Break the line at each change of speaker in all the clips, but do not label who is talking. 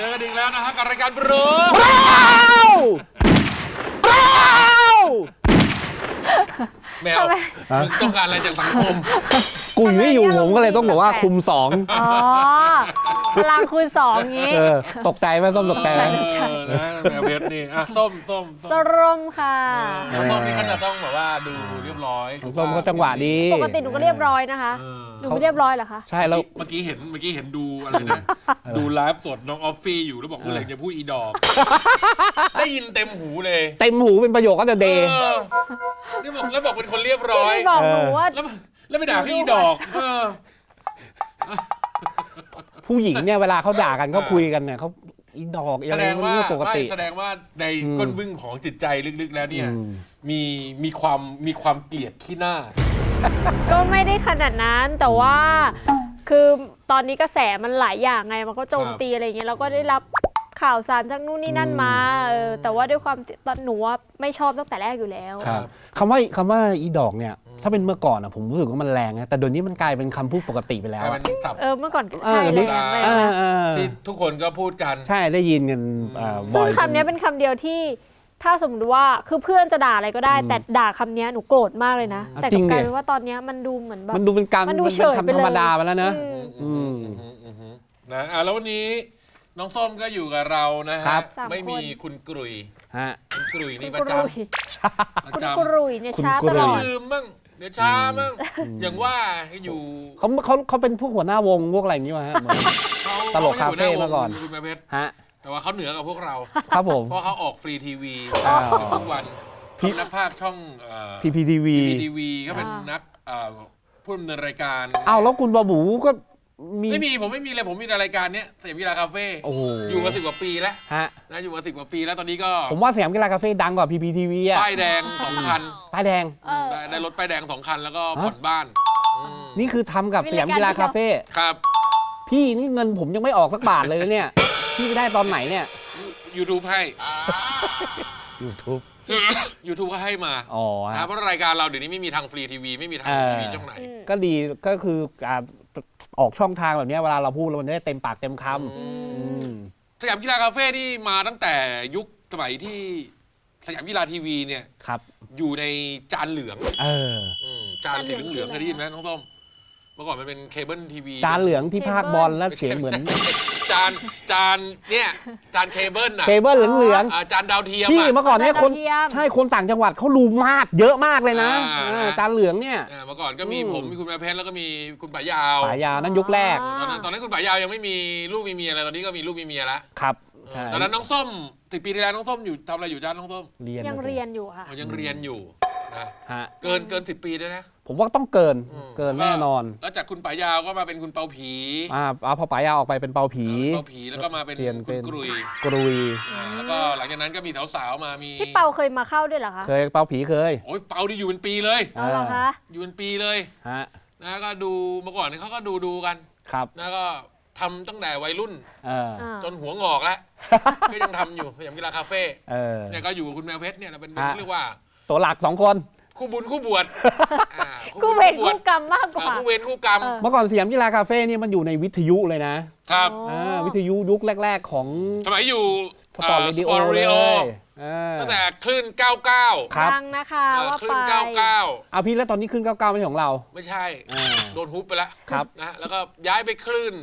อกันอีกแล้วนะฮะกับรายการบรู แมวมึงต้องการอะไรจากสังคม
กุยไม่อยู่ผมก็เลยต้องบอกว่าคุม2
อ๋อพลังคูณ2งี้
ตกใจไหมส้มตกใจไหม
นะแมวเพชรนี่อ่ะส้ม
สรมค่ะ
ส้มนี่เขาจะต้องแบบว่าดูเรียบร้อย
ส้มเขาจังหวะดี
ปกติหนูก็เรียบร้อยนะคะหนูไม่เรียบร้อยเหรอคะ
ใช่แล้วเมื่อกี้เห็นดูอะไรนะดูไลฟ์สดน้องออฟฟี่อยู่แล้วบอกเมื่อไหร่จะพูดอีดอกได้ยินเต็มหูเลย
เต็มหูเป็นประโยคก็จะเดย์
แล้วบอกเป็นคนเรียบร้อย
บอกหนูว่า
แล้วไปด่าพี่อีดอก
ผู้หญิงเนี่ยเวลาเขาด่ากันเขาคุยกันเนี่ยเขาอีดอก
แสดงว่าปกติแสดงว่าในก้นบึ้งของจิตใจลึกๆแล้วเนี่ยมีความเกลียดขี้หน้า
ก็ไม่ได้ขนาดนั้นแต่ว่าคือตอนนี้กระแสมันหลายอย่างไงมันก็โจมตีอะไรอย่างเงี้ยเราก็ได้รับข่าวสารจากนู่นนี่นั่นมาแต่ว่าด้วยความหนูว่าไม่ชอบตั้งแต่แรกอยู่แล้ว
คำว่าอีดอกเนี่ยถ้าเป็นเมื่อก่อนผมรู้สึกว่ามันแรงนะแต่เดี๋ยวนี้มันกลายเป็นคำพูดปกติไปแล้ว
เมื่อก่อนใช่แรง
ที่ทุกคนก็พูดกัน
ใช่ได้ยินกัน
ซึ่งคำนี้เป็นคำเดียวที่ถ้าสมมติว่าคือเพื่อนจะด่าอะไรก็ได้แต่ด่าคำนี้หนูโกรธมากเลยนะแต่กลายเป็นว่าตอนนี้มันดูเหมือนแบบ
มันดูเป็นการ
มันดูเฉยไปเลย
ธรรมดาไปแล้วนะ
แล้ววันนี้น้องส้มก็อยู่กับเรานะฮะไม่มีคุณกรุยคุณกรุยนี่ประจำ
คุณกรุยเนี่ยช้าตลอด
ลืมบ้างเดี๋ยวช้าบ้างอย่างว่าให้อยู่
เขาเป็นพวกหัวหน้าวงพวกอะไรอย่างนี้มาฮะตลกคาเฟ่มาก่อน
คุณแม่เพชรแต่ว่าเขาเหนือกว่าพวกเรา
ครับผม
เพราะเขาออกฟรีทีวีทุกวันนักภาคช่อง
PPTV
ก็เป็นนักผู้ดำเนินรายการ
แล้วคุณบาบูก็
ผมไม่มีเลยผมมีรายการเนี้ยสยามกีฬาคาเฟ่อยู่มา10 กว่าปีแล้วนะอยู่มา10 กว่าปีแล้วตอนนี้ก็
ผมว่าสยามกีฬาคาเฟ่ดังกว่า PPTV อ่ะ
ป้ายแดง2 คัน
ป้ายแดง
ได้รถป้ายแดง2 คันแล้วก็ผ่อนบ้าน
นี่คือทำกับสยามกีฬาคาเฟ่
ครับ
พี่นี่เงินผมยังไม่ออกสักบาทเลยเนี่ยพี่ได้ตอนไหนเนี่ย
YouTube ให้
YouTube
ก็ให้มาเพราะรายการเราเดี๋ยวนี้ไม่มีทางฟรีทีวีไม่มีทางทีวีช่องไหน
ก็ดีก็คือออกช่องทางแบบนี้เวลาเราพูดมันได้เต็มปากเต็มค
ำสยามกีฬาคาเฟ่ที่มาตั้งแต่ยุคสมัยที่สยามกีฬาทีวีเนี่ยอยู่ในจานเหลืองจานสีเหลืองเคยได้ยินไหมน้องส้มเมื่อก่อนมันเป็นเคเบิลทีวี
จานเหลืองที่ภาคบอลแล้วเสียงเหมือน
จานเนี่ยจานเคเบิล
เคเบิลเหลือง
จานดาวเทียม
พี่เมื่อก่อนเนี่ยคนใช่คนต่างจังหวัดเขาดูมากเยอะมากเลยนะจานเหลืองเนี่ย
เมื่อก่อนก็มีผมมีคุณแม่เพชรแล้วก็มีคุณป๋ายาว
นั่นยุคแรก
ตอนนั้นคุณป๋ายาวยังไม่มีลูกมีเมียอะไรตอนนี้ก็มีลูกมีเมียแล้ว
ครับ
ตอนนั้นน้องส้ม10 ปีที่แล้วน้องส้มอยู่ทำอะไรอยู่จ้าน้องส้ม
ยังเรียนอยู่ค่ะ
ยังเรียนอยู่นะเกิน10 ปีด้วยนะ
ผมว่าต้องเกินแน่นอน
แล้วจากคุณป๋ายาวก็มาเป็นคุณเปาผี
พอป๋ายาวออกไปเป็นเปาผี
แล้วก็มาเป็นคุณกรุยแล้วก็หลังจากนั้นก็มีสาวๆมามี
พี่เปาเคยมาเข้าด้วยเหรอคะ
เคยเปาผีเคย
โอ้ยเปาที่อยู่เป็นปีเลย
เหรอคะ
อยู่เป็นปีเลยนะก็ดูเมื่อก่อนเขาก็ดูกัน
ครับ
นะก็ทำตั้งแต่วัยรุ่นจนหัวงอกแล้วก็ยังทำอยู่สยามกีฬาคาเฟ่เนี่ยก็อยู่กับคุณแมวเพชรเนี่ยเป็นเรียกว่า
ตัวหลัก2 คน
คู่บุญคู่บวช
คู่เวรคู่กรรมมากกว่า
คู่เวรคู่กรรม
เมื่อก่อนสยามกีฬาคาเฟ่นี่มันอยู่ในวิทยุเลยนะครับวิทยุยุคแรกๆของ
สมัยอยู่
สปอร์ตเรดิโอเลย
ตั้งแต่คลื่น99
ดังนะคะว่า
คลื่น99
พี่แล้วตอนนี้คลื่น99ไม่ใช่ของเรา
ไม่ใช่โดนฮุบไปแล้วนะแล้วก็ย้ายไปคลื่น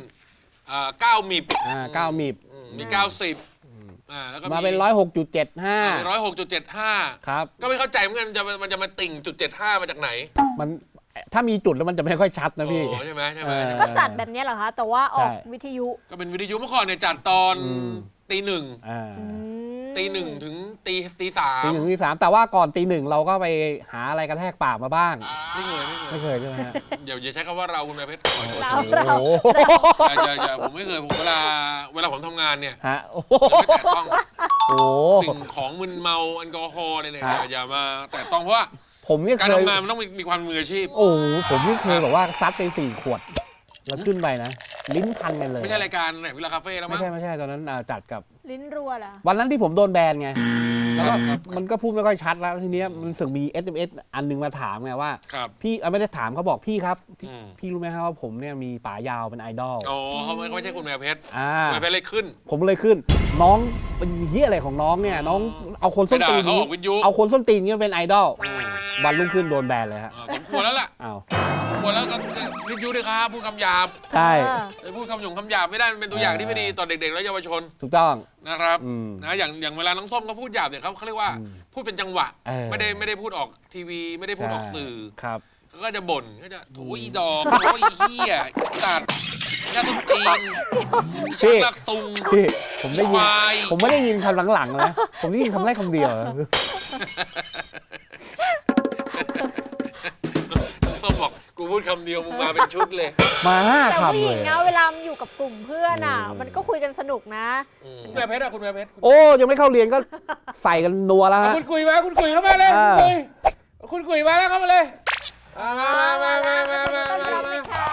9 มิบ
9 มิบ
มี90แล้วก็
มาเป็น106.75
106.75ครับก็ไม่เข้าใจเหมือนกันมันจะมาติ่ง.75มาจากไหน
มันถ้ามีจุดแล้วมันจะไม่ค่อยชัดนะพี่
ใช่ไหม
ก็จัดแบบนี้เหรอคะแต่ว่าออกวิทยุ
ก็เป็นวิทยุเมื่อก่อนเนี่ยจัดตอนตี 1ถึงตี 3
แต่ว่าก่อนตี 1เราก็ไปหาอะไรกระแทกปากมาบ้างไม่เคยใช่ไหมฮะ
อย่าใช้คำว่าเราคุณแม่เพชร
เรา
อย่าผมไม่เคยผมเวลาผมทำงานเนี่ยไม่แตะต้องสิ่งของมึนเมาแอลกอฮอล์เนี่ยอย่ามาแตะต้องเพราะว่าการทำงานมันต้องมีความมืออาชีพ
ผมไม่เคยแบบว่าซัดไป4 ขวดแล้วขึ้นไปนะลิ้นพันกันเลย
ไม่ใช่รายการไหนเวลาคาเฟ่แล้วมั้ง
ไม่ใช่ตอนนั้นจัดกับ
ลิ้นรัวเหรอ
วันนั้นที่ผมโดนแบนไงแล้วก็มันก็พูดไม่ค่อยชัดแล้วทีเนี้ยมันสึกมี SMS อันนึงมาถามไงว่า
ครับ
พี่ไม่ได้ถามเขาบอกพี่ครับพี่
อืม
พี่รู้ไหมครับว่าผมเนี่ยมีป๋ายาวเป็นไอดอล
อ๋อเขาไม่ใช่คุณแมวเพชร
อ่า
คุณแมวเพชรเลยขึ้น
ผมเลยขึ้น น้องเป็นเฮียอะไรของน้องเนี่ยน้องเอาคนส้นตีน
ไปด่าเขาออกวิทยุ
เอาคนส้นตีนเนี่ยเป็นไอดอลวันรุ่งขึ้นโดนแบนเลยฮะ
สมควรแล้วล่ะ
อ้าว
สมควรแล้วก็วิทยุด้วยครับพูดคำหยาบ
ใช่
ไปพูดคำหยงคำหยาบไม่ได้มันเป็นตัวอย่างที่ไม่ดีต่อเด็กๆและเยาวชน
ถูกต้อง
นะครับ
อืม
นะอย่างเวลาน้องส้มเขาพูดหยาบเนี่ยเขาเรียกว่า
อืม
พูดเป็นจังหวะ ไม่ได้พูดออกทีวีไม่ได้พูดออกสื่อ
ครับ
เขาก็จะบ่นก็จะโอ้ยอีดอกโอ้ยอีเหี้ยตัดยาสุตีนอีชักลักตุง
พี่ผมได้ยิน
ควาย
ผมไม่ได้ยินคำหลังๆนะผมได้ยินคำแรกคำเดียว
ส้มบอกกูพูดคำเดียวมึงมาเป็นชุดเลย
มาห้า
แต่ผู้
คำ
ห
เล
ญิง
ย
นะเวลามันอยู่กับกลุ่มเพื่อนอ่ะ มันก็คุยกันสนุกนะ
คุณแม่เพชรอะคุณแม่เพชร
โอ้ยังไม่เข้าเรียนก็ใส่กันนัวแล้วฮะ
คุณกุยมาคุณกุยเข้ามาเลย
อ่า
คุณกุยมาแล้วเข้ามาเลยมา
ต้อนรับเลยค่ะ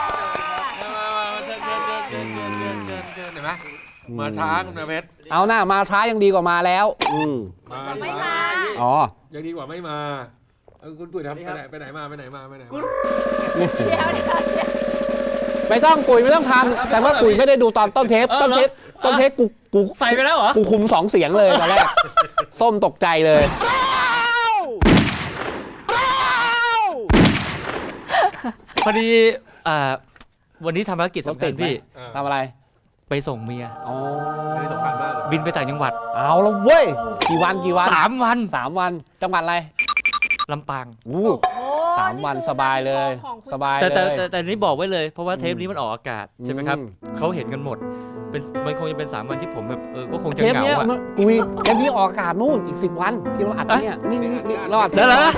เชิญเห็นไหมมาช้าคุณแม่เพชร
เอาหน้ามาช้ายังดีกว่ามาแล้ว
ไม่มา
อ๋อ
ยังดีกว่าไม่มาคุณกุยทำไปไหนมา
เดี๋ยว
ไม่ต้องกุยไม่ต้องทำแต่ว่ากุยไม่ได้ดูตอนต้นเทปต้นเทปกู
ใส่ไปแล้วเหรอ
กูคุม2 เสียงเลยตอนแรก ส้มตกใจเลย
พอดีวันนี้ทำภารกิจสำคัญพี่
ทำอะไร
ไปส่งเมีย
อ๋อ
ไม่ได้สำคัญมากเลย
บินไปต่างจังหวัด
เอาแล้วเว้ยกี่วัน
3 วัน
3 วันจังหวัดอะไร
ลำปาง
อู้ 3 วันสบายเลยสบาย
แต่
เลย
แต่นี่บอกไว้เลยเพราะว่าเทปนี้มันออกอากาศใช่ไหมครับ
อืม
เขาเห็นกันหมดมันคงจะเป็น3 วันที่ผมแบบก็คงจะ
เทป
เหงา
เนี้ย
อะ
กุยเทปนี้ออกอากาศนู่นอีก10 วันที่เราอัดเนี่ยนี่เราอัด
แล้วเหรอ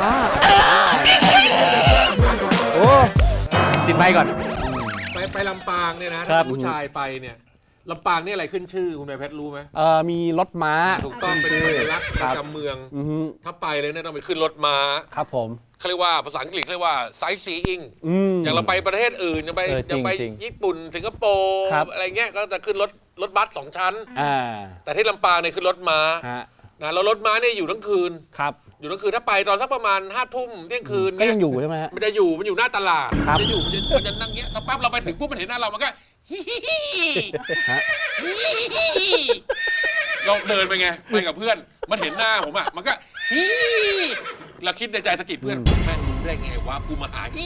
โอ้
ติดไมค์ก่อน
ไปลำปางเนี่ยนะ
ครั
ถ้า
บ
ผู้ชายไปเนี่ยลำปางนี่อะไรขึ้นชื่อคุณแม่เพชรรู้ไหม
มีรถม้า
ถูกต้องเป็นสัญลักษณ์ประจำเมือง
อือฮึ
ถ้าไปเลยเนี่ยต้องไปขึ้นรถม้า
ครับผม
เขาเรียกว่าภาษาอังกฤษเรียกว่า sightseeing
ม
อย่างเราไปประเทศอื่นอย่างไป อย่างไป
จริง
ญี่ปุ่นสิงคโปร์
ครับ
อะไรเงี้ยก็จะขึ้นรถบัส2 ชั้น
อ่า
แต่ที่ลำปางเนี่ยขึ้นรถม้า
ฮะ
นะแล้วรถม้าเนี่ยอยู่ทั้งคืน
ครับ
อยู่ทั้งคืนถ้าไปตอนสักประมาณ5 ทุ่มเที่ยงคืน
ก็
เนี่
ยังอยู่ใช่ไหมฮะ
มันจะอยู่หน้าตลาด
ครับ
มันจะนั่งเงี้ยสักแป๊บเราไปถึงปุ๊บมันเห็นหน้าเรามันก็ฮิฮิฮิ
ฮะ
ฮิฮิเราเดินไปไงไปกับเพื่อนมันเห็นหน้าผมอ่ะมันก็ฮิเราคิดในใจสะกิดเพื่อนแม่งรู้ได้ไงวะกูมาหาฮิ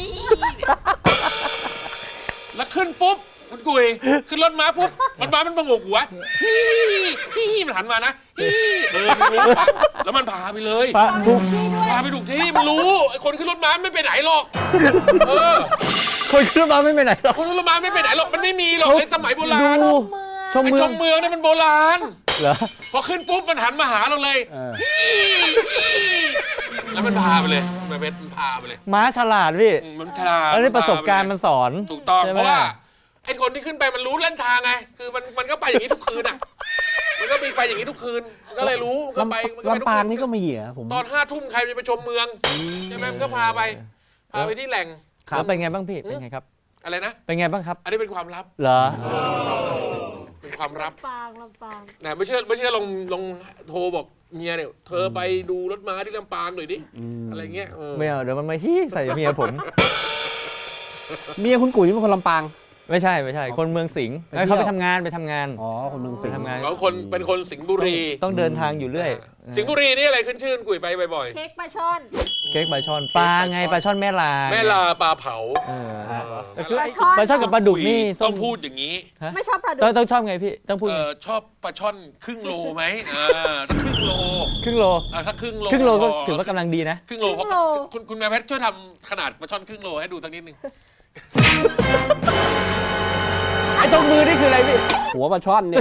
แล้วขึ้นปุ๊บมันกุยขึ้นรถม้าปุ๊บมันประงกหัวฮิฮิมันหันมานะฮิมันรู้ปะแล้วมันพาไปเลย
ปะทุก
พาไปถูกที่มันรู้ไอ้คนขึ้นรถม้าไม่ไปไหนหรอกเออ
คนขึ้นรถมาไม่ไปไหนหรอก
คนขึ้นรถม้าไม่ไปไหนหรอกมันไม่มีหรอกในสมัยโบราณ
ดู ชม
ไอ้
เมื
ช
อง
มเมืองเนี่ยมันโบราณ
เหรอ
พอขึ้นปุ๊บมันหันมาหาเราเลย
เออ
แล้วมันพาไปเลยมันพาไปเลย
ม้าฉลาดพี่
มันฉลาด
แล้วนี่ประสบการณ์มันสอน
ถูกต้อง
ใช่ไหม
เพราะว่าไอ้คนที่ขึ้นไปมันรู้เส้นทางไงคือมันก็ไปอย่างนี้ทุกคืนอ่ะมันก็มีไปอย่างนี้ทุกคืนมันก็เลยรู้มันก็ไปมันก็ไปทุ
ลำปาง
คื
นี่ก็มีเหรอผม
ตอน5 ทุ่มใครจะไปชมเมืองใช่ไหมมันก็พาไปที่แหล่ง
แล้วเป็นไงบ้างพี่ เป็นไงครับ
อะไรนะ
เป็นไงบ้างครับ
อันนี้เป็นความลับ
เหรอ
เป็นความลับ
ลำปาง
นะไม่เชื่อลองโทรบอกเมียเนี่ยเธอไปดูรถม้าที่ลำปางหน่อยดิอะไรเงี้ย
ไม่เอาเดี๋ยวมันมาฮี้ใส่เมียผม
เมียคุณกุ๋ยนี่เป็นคนลำปาง
ไม่ใช่ คนเมืองสิงห์
ไปเที่ยว
เขาไปทำงาน
อ๋อคนเมืองสิงห์
ไปทำงาน
เขาเป็นคนสิงห์บุรี
ต้องเดินทางอยู่เรื่อย
สิงห์บุรีนี่อะไรขึ้นชื่อกุยไปบ่อย
เค้กปลาช่อน
เค้กปลาช่อนปลาไงปลาช่อนแม่ลา
ๆแม่ลาปลาเผา
เออ
ปลาช่อน
ปลาช่อนกับปลาดุกนี่
ต้องพูดอย่างนี้
ไม่ชอบปลาดุ
ต้องชอบไงพี่ต้องพูดไง
ชอบปลาช่อนครึ่งโลไหมถ้าครึ่งโล
ครึ่งโล
ถ้าครึ่งโล
ครึ่งโลก็ถือว่ากำลังดีนะ
ครึ่งโลเพราะคุณแม่เพชรช่วยทำขนาดปลาช่อนครึ่งโลให้ดูสักนิดนึง
ไอ้ตรงมือนี่คืออะไรพี่
หัวปลาช่อนเนี่ย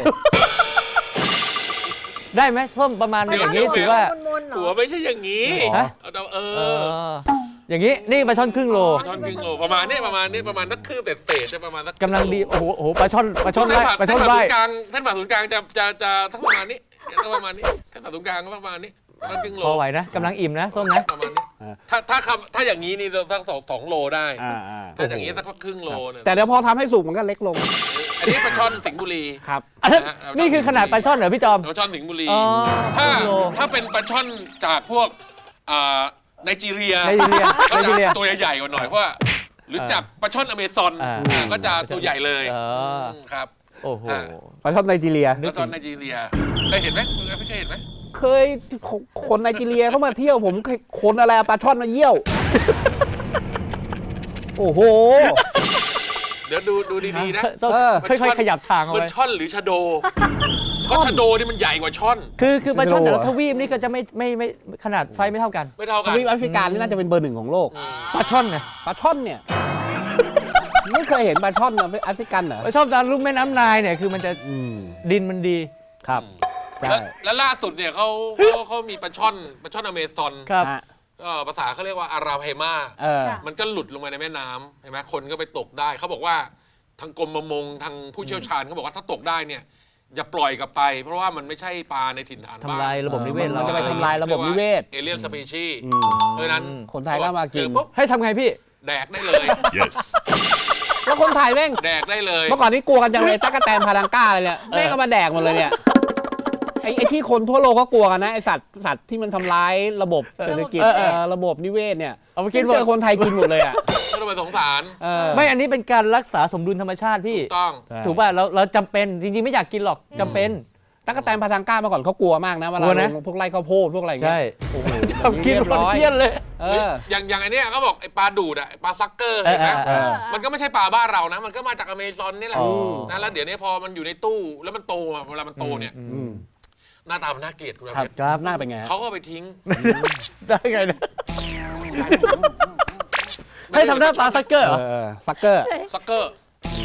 ได้ไหมส้มประมาณอย่างนี้ถือว่า
มนๆเหร
หัว
อ
ไม่ใช่อย่างนี้
ฮะ
เอ
เอ
อ
ออย่างนี้นี่ปลาช่อนครึ่งโล
ปลาช่อนครึ่งโลประมาณนี้ประมาณนักคืบเศษๆประมาณนัก
กำลังดีโอ้โหปลาช่อนไร่ปลาช่อนไร่
ท่านผ่าศูนย์กลางจะทั้งประมาณนี้ท่านประมาณนี้ท่านผ่าศูนย์กลางก็ประมาณนี้ท่านครึ่งโล
พอไหวนะกำลังอิ่มนะส้มนะ
ประมาณนี้ถ้าอย่างนี้นี่สัก2 โลได้
อ่า
ถ้าอย่างนี้สักครึ่งโลเนี่ย
แต่เดี๋ยวพอทำให้สุกมันก็เล็กลง
เอันนี้ปลาช่อนสิงห์บุรี
ครับ
อันนั้นนี่คือขนาดปลาช่อนเหรอพี่จอม
ปลาช่อนสิงห์บุรี
อ๋อ
ถ้าเป็นปลาช่อนจากพวกไนจีเรีย
ไนจีเรีย
ก็
ไนจีเรีย
จะตัวใหญ่ๆกว่าหน่อยเพราะว่าหรือจากปลาช่อนอเมซอน ก็จะตัวใหญ่เลย ครับ
โอ้โห
ปลาช่อนไนจีเรีย
ปลาช่อนไนจีเรียเคยเห็นไหมเคยเห็นไหม
เคยคนไนจีเรียเข้ามาเที่ยวผมเคยคนอะไรเอาปลาช่อนมาเยี่ยว โอ้โห
เดี๋ยวดูดีๆนะ
ต้อง
เออ
ค่อยๆขยับทางเอา
มัน
ไว้
ช่อนหรือชะโดเพราะชะโดนี่มันใหญ่กว่าช่อน
คือปลาช่อนแต่ละ
เหรอ
ทวีปนี่ก็จะไม่ขนาดไซส์ไม่เท่ากัน
ไม่เท่า
ท
กัน
วีปแอฟริกานี่น่าจะเป็นเบอร์ 1ของโลก
ปลาช่อนไง
ปลาช่อนเนี่ย ไม่เคยเห็นปลาช่อนแอฟริกันเหรอ
ปลาช่อนตามลุ่มแม่น้ำนายเนี่ยคือมันจะ
อืม
ดินมันดี
ครับใช่
แล้วล่าสุดเนี่ยเขามีปลาช่อนอเมซอน
ครับ
ฮะ
ภาษาเขาเรียกว่าอาราไพมา
เออ
มันก็หลุดลงมาในแม่น้ำเห็นไหมคนก็ไปตกได้เขาบอกว่าทางกรมประมงทางผู้เชี่ยวชาญเขาบอกว่าถ้าตกได้เนี่ยอย่าปล่อยกลับไป เพราะว่ามันไม่ใช่ปลาในถิ่นฐานบ้าน
ทำลายระบบนิเวศ
มัน
เรา
จะไปทำลายระบบนิเวศ
เอเลียนสปีชีส์
อืม
เพราะฉะนั้น
คนไทยก็มากิน
เจอปุ๊บ
ให้ทำไงพี่
แดกได้เลย
Yes.
แล้วคนไทยแม่ง
แดกได้เลย
เมื่อก่อนนี่กลัวกันจังเลยตั๊กแตนพารังก้าเลยเนี่ยแม่งก็มาแดกหมดเลยเนี่ยไอ้ที่คนทั่วโลกก็กลัวกันนะไอ้สัตว์ที่มันทำร้ายระบบเศรษฐกิจระบบนิเวศเนี่ย
เอาไปกินหมด
เจอคนไทยกินหมดเลยอ่ะ
ไม่ต้องไปสงสาร
ไม่อันนี้เป็นการรักษาสมดุลธรรมชาติพี่
ต้อง
ถูกป่ะเราจำเป็นจริงๆไม่อยากกินหรอกจำเป็น
ตั๊กแตนพารังก้าเมื่อก่อนเขากลัวมากนะเวลาก
ลัวนะ
ลงพวกไร่ข้าวโพดพวกอะไรอย่างเงี้
ใช่
ยโอ้โห
ทำกิน
เรียบ
ร้
ร้
อ
อย ย
เยี่ยนเลย
เออ
อย่างอันเนี้ยเขาบอกไอ้ปลาดูดอะไอ้ปลาซักเกอร์เห็นไหม
เออ
มันก็ไม่ใช่ปลาบ้านเรานะ มันก็มาจากอเมซอนนี่แหละ
อ๋อ
นะแล้วเดี๋ยวนี้พอมันอยู่ในตู้แล้วมันโตอะเวลามันโตเนี่ย
อืม
หน้าตามันน่าเกลียดคุณ
ครับ
เพชร
ครับหน้าเป็นไงฮะ
เขาก็เอาไปทิ้ง
ได้ไงเนี่ยให้ทำหน้าปลาซักเกอร์เหรอ
ซักเกอร์
ซักเกอร์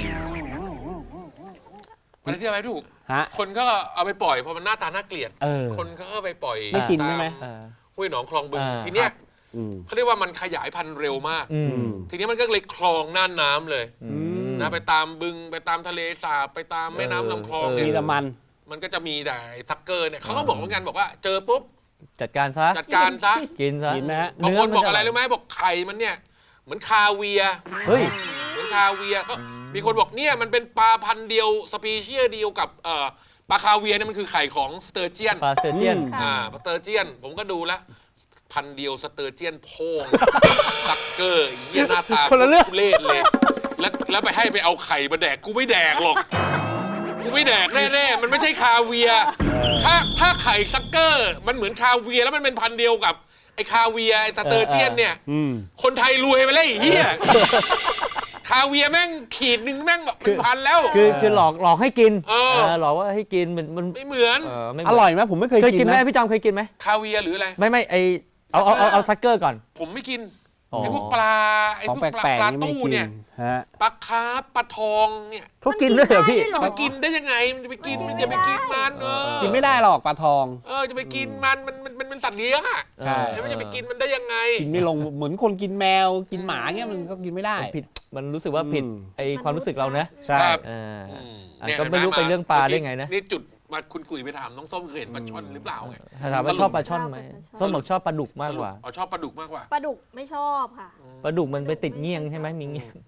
อะไรที่อะไรถูก
ฮะ
คนก็เอาไปปล่อยเพราะมันหน้าตาน่าเกลียด
เออ
คนก็เอาไปปล่อย
ไม่กินใช่ไหม
ตาห้วยหนองคลองบึง
อ่า
ทีเนี้ย
อืม
เขาเรียกว่ามันขยายพันธุ์เร็วมาก
อืม
ทีนี้มันก็เลยคลองน่านน้ำเลย
อืม
นะไปตามบึงไปตามทะเลสาบไปตามแม่น้ำลำคลองเนี่
มี
ย
แต่มัน
มันก็จะมีแต่ไอ้ซักเกอร์เนี่ยเขาก็บอกเหมือนกันบอกว่าเจอปุ๊บ
จัดการซะ
จัดการซะ
กินซะ
กินไหมฮะ
บางคน
เมั
บอก
จ
อะไรรู้ไหมบอกไข่มันเนี่ยเหมือนคาเวียร์
เฮ้ย
เหมือนคาเวียร์ก็มีคนบอกเนี่ยมันเป็นปลาพันธุ์เดียวสปีเชียส์เดียวกับปลาคาเวียร์เนี่ยมันคือไข่ของสเตอร์เจียน
ปลาเซเจียน
อืม
ปลาสเตอร์เจียนผมก็ดูแล้วพันธุ์เดียวสเตอร์เจียนโพงซักเกอร์เยี่ยหน้าตา
คนละเรื่อง
ทุเล่เลย แล้วไปให้ไปเอาไข่มาแดกกูไม่แดกหรอกกูไม่แดกแน่ๆมันไม่ใช่คาเวียร์ถ้าไข่ซักเกอร์มันเหมือนคาเวียร์แล้วมันเป็นพันธุ์เดียวกับไอ้คาเวียร์ไอ้สเตอร์เจียนเนี่ย
อืม
คนไทยรวยไปเลยไอ้เฮียคาเวียร์แม่งขีดหนึ่งแม่งแบบเป็นพันแล้ว
คือหลอกให้กิน
เออ
หลอกว่าให้กินมัน
ไม่เหมือน
ไม่
อร่อยไหมผมไม่เคย
เคย
กิ
กิ
น
นไหม
นะ
พี่จอมเคยกินไหม
คาเวียร์หรืออะไร
ไม่เอาซักเกอร์ก่อน
ผมไม่กิน
อ๋อ
ไอ้พวกปลาไอ้
ของ
พวก
แปลก
ปลา
ๆนี่ไม่
ตู้
กิน
เนี่ย
ฮะ
ปลาคาร์ฟปลาทองเนี่ย
เขากินด้วยเหรอพี่
จะไปกินได้ยังไงมันจะไปกินมันจะไปกินมัน
กินไม่ได้หรอกปลาทอง
จะไปกินมันเป็นสัตว์เลี้ยงอ่ะ
ใช่
แล้วมันจะไปกินมันได้ยังไง
กินไม่ลงเหมือนคนกินแมวกินหมาเงี้ยมันก็กินไม่ได้
มันผิดมันรู้สึกว่าผิด
อืม
ไอความรู้สึกเรานะ
ใช่
ครับ
อ่า
อืม
อ่ะ
เนี่ย
ก็ไม่รู้
ห็ห
เป็นเรื่องปลาได้ไงนะ
นี่จุดมาคุณกุ๋ยไปถามน้องส้มเคยเห็นปลาช่อนหรือเปล่าไง
ถามว่าชอบปลาช่อนไหม
ชอบ
ส้มบอกชอบปลาดุกมากกว่า
ชอบปลาดุกมากกว่า
ปลาดุกไม่ชอบค่ะ
ปลาดุกมันไปติดเงี้ยงใช่ไหมมีเงี้ยง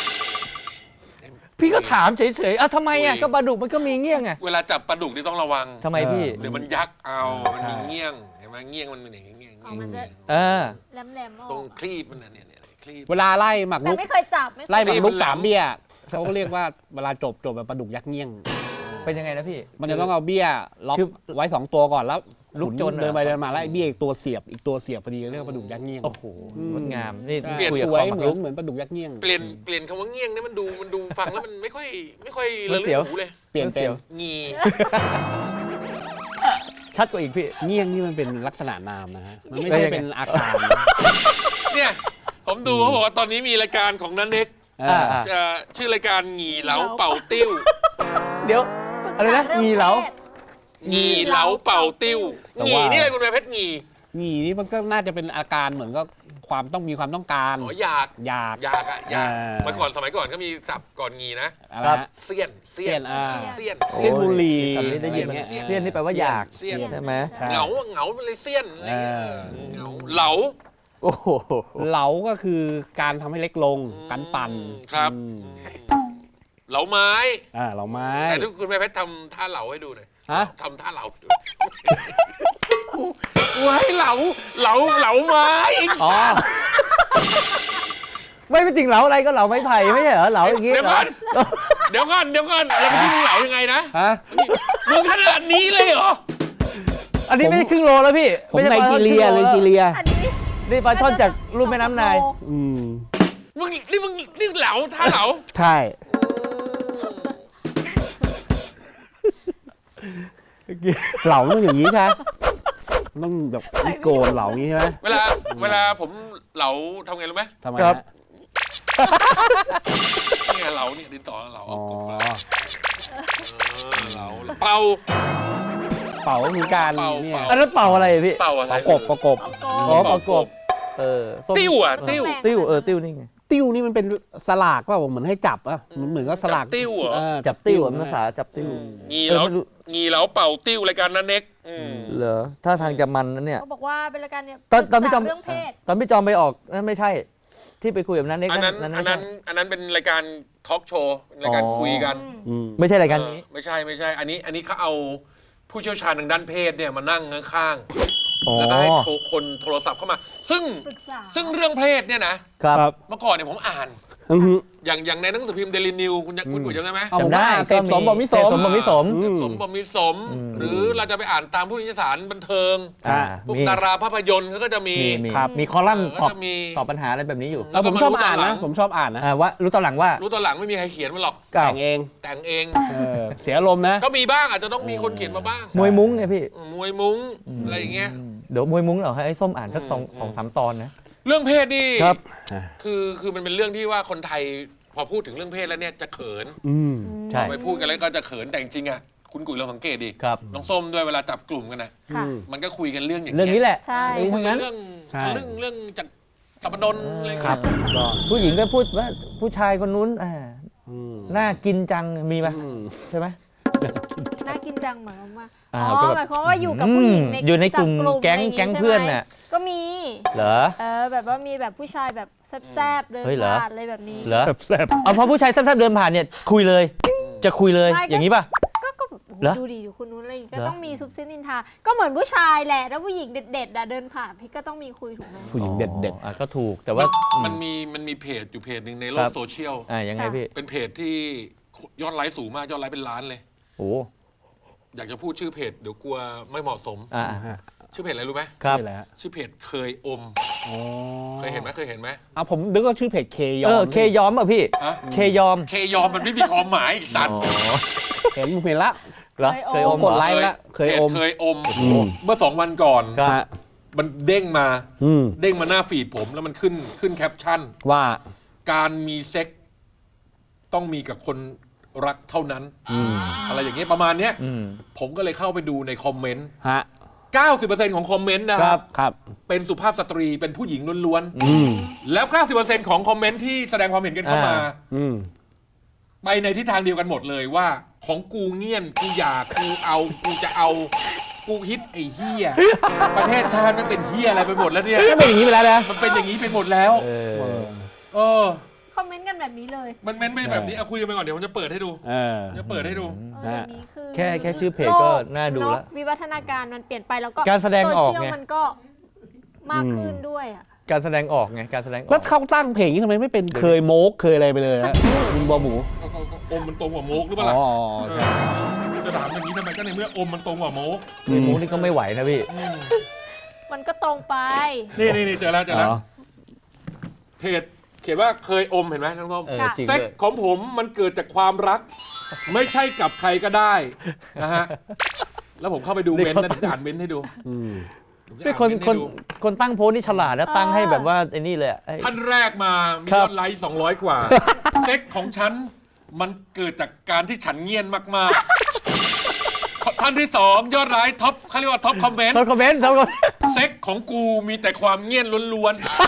พี่ก็ถามเฉยๆทำไมอ่ะก็ปลาดุกมันก็มีเงี้ยงอ่ะ
เวลาจับปลาดุกนี่ต้องระวัง
ทำไมพี่
เดี๋ยวมันยักเอามัน
ใช่
มีเงี้ยงเห็นไหมเงี้ยงมันเป็นอย่างเงี้ยเงี้ย
อ๋อมันจะ
เออ
แหลมๆอ
ตร
อง ก
คลีบมันน่ะเนี่ยคลีบ
เวลาไล่หมัก
แต่
ลุก
ไม่เคยจับไม่เคย
ไล่หมักลุก
มันแหลม
สามเบี้ยเขาก็เรียกว่าเวลาจบแบบปลาดุกยักษ์เงี้ยง
เป็นยังไงนะพี่
มันจะต้องเอาเบี้ยล็อก
คือ
ไว้2ตัวก่อนแล้ว
ลุกจน
เดินไป
เหรอ
เดินมาแล้วไอ้เบี้ยอีกตัวเสียบพอดีเรียกว่าปลาดุกยักษ์เงี้ยง
โอ้โหงดงามนี่
ใช่
คุยกับ
ส
คว วาย ม
เหมือนปลาดุกยักษ์เงี้ยง
เปลี่ยนคำว่าเงี้ยงนี่มันดูฟังแล้วมันไม่ค่อย
มั
ระ
น
ลึ
เสียว
กหูเลย
เปลี่ยนเป็น
งี
ชัดกว่าอีกพี่
เงี้ยงนี่มันเป็นลักษณะนามนะฮะมันไม่ใช่
เป็นยังไง
เป็นอาการนะ
เนี่ยผมดูเขาบอกว่าตอนนี้มีรายการของนันเน็ก
เออ
ชื่อรายการหงีเหลาเป่าติ้ว
เดี๋ยว อะไรนะงีเหลา
หงีเหลาเป่าติ้ว
แต่
หงี
ว่า
นี่อะไรคุณแม่เพชรหงี
งีนี่มันก็น่าจะเป็นอาการเหมือนก็ความต้องการ
อยาก
อยาก
อยากอะอยาก
อ่า
เมื่อก่อนสมัยก่อนก็มีศัพท์ก่อนหงีนะ
อะไรฮะ
เสี้ยน
เสี้ยน
เสี้ยน
เสี้ยนบุหรี่
โอ้ยคำนี้ได้ยินมา
เสี้ยน
เสี้ยนนี่แปลว่าอยาก
เสี้ยน
ใช่ไหม
ใช่
เหงาไปเลยเสี้ยนอะไรเงี้ย
เออ
เหงาเหลา
โอ้โห
เหลาก็คือการทำให้เล็กลงการปั่น
ครับ
อืม
เหลาไม้
เหล่าไม้
แต่ทุกคุณแม่เพชรทำท่าเหลาให้ดูหน่อย
ฮะ
ทำท่าเหลาให้ดูกูให้เหลาไม้
อ๋อ
ไม่เป็นจริงเหลาอะไรก็เหลาไม้ไผ่ไม่ใช่เหรอเหลาอย่างงี้
เดี๋ยวก่อนเดี๋ยวก่อนแล้วเมื่อกี้มึงเหลายังไงนะ
ฮะ
มึงขนาดนี้เลยเหรอ
อันนี้ไม่ใช่ครึ่งโลแล้วพี่
ผมไนจีเรีย
อันนี้
นี่ปลาช่อนจากรูปแม่น้ำนาย
อืม
มึงนี่เหลาท่าเหลา
ใช่ เหล่าต้องอย่างนี้ใช่ไหมต้องแบบมีโกนเหล่าอย่างนี้ใช่ไหม
เวลาผมเหลาทำไงรู้ไหม
ทำไม
ครั
ฮะ
บ
นี่ไงเหลานี่ดินต่อเหลา
อ๋อ
เหลาเป่า
เป่าก็คือการ
เป่า
เนี่ย
อันนั้นเป่าอะไรพี่
เป่าอะไร
ประกบ
อ๋อประกบส้ม
ติ้วอ่ะติ้ว
ติ้วติ้วนี่ไง
ติ้วนี่มันเป็นสลากป่ะเหมือนให้จับอ่ะเหมือนก็สลาก
จับติ้วเหรอ
จับติ้วภาษาจับติ้ว
งีเหลา
ไม่รู้
งีเหลาเป่าติ้วรายการนั้นเน็ก
เหรอถ้าทางจะมันนะเนี่ย
เขาบอกว่าเป็นรายการเนี่ย
ตอนพี่จอม
เรื่องเพศ
ตอนพี่จอมไปออกนั่นไม่ใช่ ที่ไปคุยกับนั้นเน็ก
อันนั้น
นั่น
อัน
ไม่
นั้
ใช่
นอันนั้นเป็นรายการทอล์กโชว์รายการคุยกัน
อืม
ไม่ใช่รายการนี้
ไม่ใช่อันนี้เขาเอาผู้เชี่ยวชาญทางด้านเพศเนี่ยมานั่งข้าง
อ๋อ
ๆแล้วก็ให้คนโทรศัพท์เข้ามา
ปรึกษา
ซึ่งเรื่องเพศเนี่ยนะครับ เมื่อก่อนเนี่ยผมอ่าน
อือฮึ
อย่างในหนังสือพิมพ์เดลินิวคุณกุ๋ยจำได้ไหม
เอาผม
จำได้
ว่าเสพสมบ่มิส
เสพ
ม
สมบ่มิสม
อืม
สมบมิสม หรือเราจะไปอ่านตามผู้นิตยสารบันเทิง
อ่า
พวก
มี
ดาราภาพยนตร์เขาก็จะมี
มี
ครับ
มีคอลัมน์
ก็
ตอบ
จะมี
ตอบปัญหาอะไรแบบนี้อยู่
แล้วผมชอบอ่านนะผมชอบอ่านนะ
ว่ารู้ตอนหลังว่า
รู้ตอนหลังไม่มีใครเขียนมาหรอก
แต่งเอง
แต่งเอง
เสียอารมณ์นะ
ก็มีบ้างอาจจะต้องมีคนเขียนมาบ้าง
มวยมุ้งไงพี่
มวยมุ้งอะไรอย่างเงี้ย
เดี๋ยวมวยมุ้งเหรอให้ส้มอ่านสักสองสามตอนนะ
เรื่องเพศนี่
ครับ
คือมันเป็นเรื่องที่ว่าคนไทยพอพูดถึงเรื่องเพศแล้วเนี่ยจะเขิน
อืม
ใช่
ไปพูดกันแล้วก็จะเขินแต่จริงๆอ่ะคุณกุ๋ยลองสังเกตดิ
ครับ
น้องส้มด้วยเวลาจับกลุ่มกันนะ
ค่ะ
มันก็คุยกันเรื่องอย่าง
เรื่อง
เงี้ย
นี้แหละ
ใช่
คุยกันเรื่อง
ใช่
เรื่องจากสัปดนอะไรอย่าง
ครั
เงี้
บ
ย
ก็
ผู้หญิงก็พูดว่าผู้ชายคนนู้น
อืม
น่ากินจังมีไหม
อืม
ใช่ไหม
น่ากินจังหมายความว่า
อ่า
อ๋อ
ก็แบบ
หมายความว่าอยู่กับผู้หญิง
อยู่ในกลุ่ม
จับ
แก๊ง
อะไรย่า
แก๊ง
ใช่ไหม
เพื่อนน่ะ
ก็มี
เหรอ
แบบว่ามีแบบผู้ชายแบบแซบๆเดิน
เฮ้ยเหรอ
ผ่านอะไรแบบนี้
เหรอ
แซ่บ
เอาพอผู้ชายแซ่บๆเดินผ่านเนี่ยคุยเลย จะคุยเลย
ไม่ก็
อย่างนี้ป่ะ
ก็โอ้โห
เหรอ
ดูดีอยู่คนนู้นอะไรอย่างงี้ก็
เหรอ
ต้องมีซุบซิบนินทาก็เหมือนผู้ชายแหละถ้าผู้หญิงเด็ดๆอะเดินผ่านพี่ก็ต้องมีคุยถูกไหม
ๆผู้หญิงเด็ด
อ่ะก็ถูกแต่ว่า
มันมีเพจอยู่เพจหนึ่งในโล
ค
ก
รับ
โซเชียล
ยังไงพี่
เป็นเพจที่ยอดไลค์สูงมากยอดไลค์เป็นล้านเลย
โอ้
อยากจะพูดชื่อเพจเดี๋ยวกลัวไม่เหมาะสม
อ่า
ๆฮะ
ชื่อเพจอะไรรู้ไหม
ครับ
ชื่ออะไรฮะ
ชื่อเพจเคยอม
อ๋อ
เคยเห็นไหม
อ่ะผมนึกว่าชื่อเพจเคยอม
เคยอมอ่ะพี่
ฮะ
เคยอม
เคยอมมันไม่มีความหมายตัด
เห็นผมเห็นละ
เหรอเคยอม
กด
เหรอ
ไลค์ไปละเคย
เพจ
อม
เคยอม
อืม
เมื่อ2 วันก่อน
ครับ
ฮะ
มันเด้งมา
อืม
เด้งมาหน้าฟีดผมแล้วมันขึ้นแคปชั่น
ว่า
การมีเซ็กต้องมีกับคนรักเท่านั้น อะไรอย่างเงี้ยประมาณเนี้ย
อืม
ผมก็เลยเข้าไปดูในคอมเมนต์
ฮะ
90% ของคอมเมนต์นะค
ครั
รับ
บ
ครับ
เป็นสุภาพสตรีเป็นผู้หญิงล้วน
อืม
ๆแล้ว 90% ของคอมเมนต์ที่แสดงความเห็นกันเข้ามา
อืม
ไปในทิศทางเดียวกันหมดเลยว่า ของกูเงี่ยนกูอยากกูเอากูจะเอากูฮิตไอ้เฮียประเทศชาติมันเป็นเฮียอะไรไปหมดแล้วเนี่ย
ก็เป็นอย่างนี้ไปแล้วนะ
มันเป็นอย่างนี้ไปหมดแล้ว
เออ
เออ
คอมเมนต์กันแบบนี้เลย
มันเม้นไม่แบบนี้เอาคุยกันไปก่อนเดี๋ยวผมจะเปิดให้ดู
เออ
จะเปิดให้ดู
เดี๋ยวนี้คือ
แค่ชื่อเพจก็น่าดูแล้ว
โกวิวัฒนาการมันเปลี่ยนไปแล้วก็
การแสดงออกไง
โซเชียลมันก็มากขึ้นด้วยอ่ะ
การแสดงออกไงการแสดงอ
แล้
อ
ว
ก
เขาตั้งเพลงนี้ทำไมไม่เป็นเคยโมกเคยอะไรไปเลยฮะมึงบอหมู
อมมันตรงกว่าโมกหรือเปล่า
อ๋
ล่ะ
อใช่
จะถามอย่างนี้ทำไมก็ในเมื่ออมมันตรงกว่าโมก
เคยมุ้งนี่ก็ไม่ไหวนะพี่
มันก็ตรงไป
นี่เจอแล้ว
อ๋อ
เพจเขียนว่าเคยอมเห็นไหมทั้งส้ม
เออ
ค่ะ
จริง
เซ็ก
ด้วย
ของผมมันเกิดจากความรัก ไม่ใช่กับใครก็ได้นะฮะแล้วผมเข้าไปดูเม้นต์นะจะอ่านเม้นต์ให้ดู
อืม
ผมจะ
เป็น
อ่า
คน
เม้ต์
คน
ให้ดู
คนตั้งโพสต์นี่ฉลาดนะตั้งให้แบบว่าไอ้นี่เลยอะไอ้
ท่านแรกมามี
ครั
ย
บ
อดไลค์200 กว่า เซ็กของฉันมันเกิดจากการที่ฉันเงียนมากๆท่านที่2ยอดไลค์ท็อปเขาเรียกว่าท็อปคอมเมนต์
ทำคอมเมนต์ทำคอมเมนต์
เซ็กของกูมีแต่ความเงียนล้วน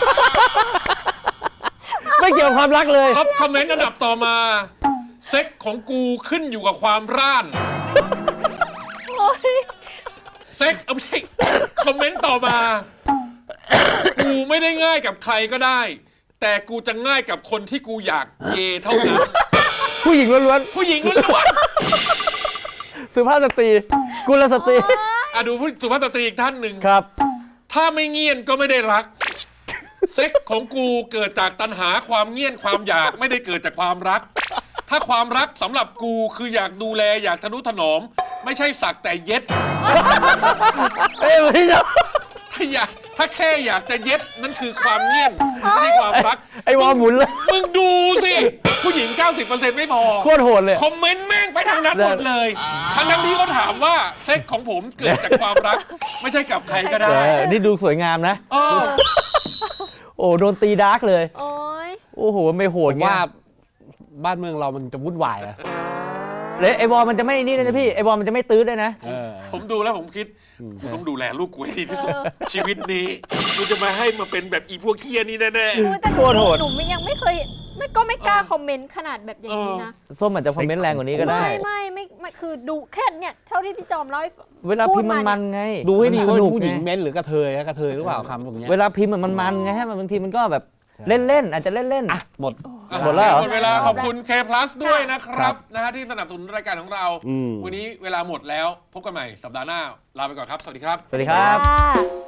ไม่เกี่ยวกับความรักเลย
ๆท็อปคอมเมนต์อันดับต่อมาเซ็กของกูขึ้นอยู่กับความร่าน
โอ้ย
เซ็กเอาไม่ใช่คอมเมนต์ต่อมา กูไม่ได้ง่ายกับใครก็ได้ แต่กูจะง่ายกับคนที่กูอยากเยเท่านั้น
ผู้หญิงล้วน
ผู้หญิงล้วน
ๆสุภาพสตรีกุลสตรี
ๆดูผู้สุภาพสตรีอีกท่านหนึ่ง
ครับ
ถ้าไม่เงียนก็ไม่ได้รัก เซ็กของกูเกิดจากตัณหาความเงียนความอยากไม่ได้เกิดจากความรัก ถ้าความรักสำหรับกูคืออยากดูแลอยากทนุถนอม ไม่ใช่สักแต่เย็ด
เอ้ยไม่ใช่
ถ้าแค่อยากจะเย็ดนั่นคือความเงียนไม่ใช่ความรัก
ไอ้วอลหมุนเลย
มึงดูสิ ผู้หญิง 90% ไม่พอ
โคตรโหดเลย
คอมเมนต์แม่งไปทางนั้นหมดเลยทั้งที่เขาถามว่าเซ็กของผมเกิดจากความรัก ไม่ใช่กับใครก็ได้
นี่ดูสวยงามนะ
เออ
โอ้โดนตีดาร์กเลย
โอ้ย
โอ้โหไม่โห
ผ
ด
ม
เงี้
ว่าย บ้านเมืองเรามันจะวุ่นวายอะ
เลยไอ้วอลมันจะไม่นี่เลยนะพี่ไอ้วอลมันจะไม่ตื้อด้วยนะ
ผมดูแล้วผมคิดกูต้องดูแลลูกกูให้ดีที่สุดชีวิตนี้กูจะมาให้มาเป็นแบบอีพวกเคียนี่แน่
โอ้ยแต่ห
โคตรโหด
นูยังไม่เคยไม่กล้าคอมเมนต์ขนาดแบบอย่างนี้นะ
ส้มอาจจะคอมเมนต์แรงกว่านี้ก็ได้
ไม่คือดูแค่เนี่ยเท่าที่พี่จอมเล่าให้ฟัง
เวลาพิมพ์มันไง
ดูให้ดี
ส
ว่า
นุก
ผู้หญิง
ไง
เม้นหรือกระเทยกระเทยหรือเปล่าคำตรงเนี้ย
เวลาพิมพ์มันไงฮะบางทีมันก็แบบเล่นๆอาจจะเล่น
อ่ะหมด
ๆ
หมดแล้วเหรอ
หมดเวลาขอบคุณ K Plus ด้วยนะครับนะฮะที่สนับสนุนรายการของเรา
อืม
วันนี้เวลาหมดแล้วพบกันใหม่สัปดาห์หน้าลาไปก่อนครับสวัสดีครับ
ๆสวัสดีครับ
ค่ะ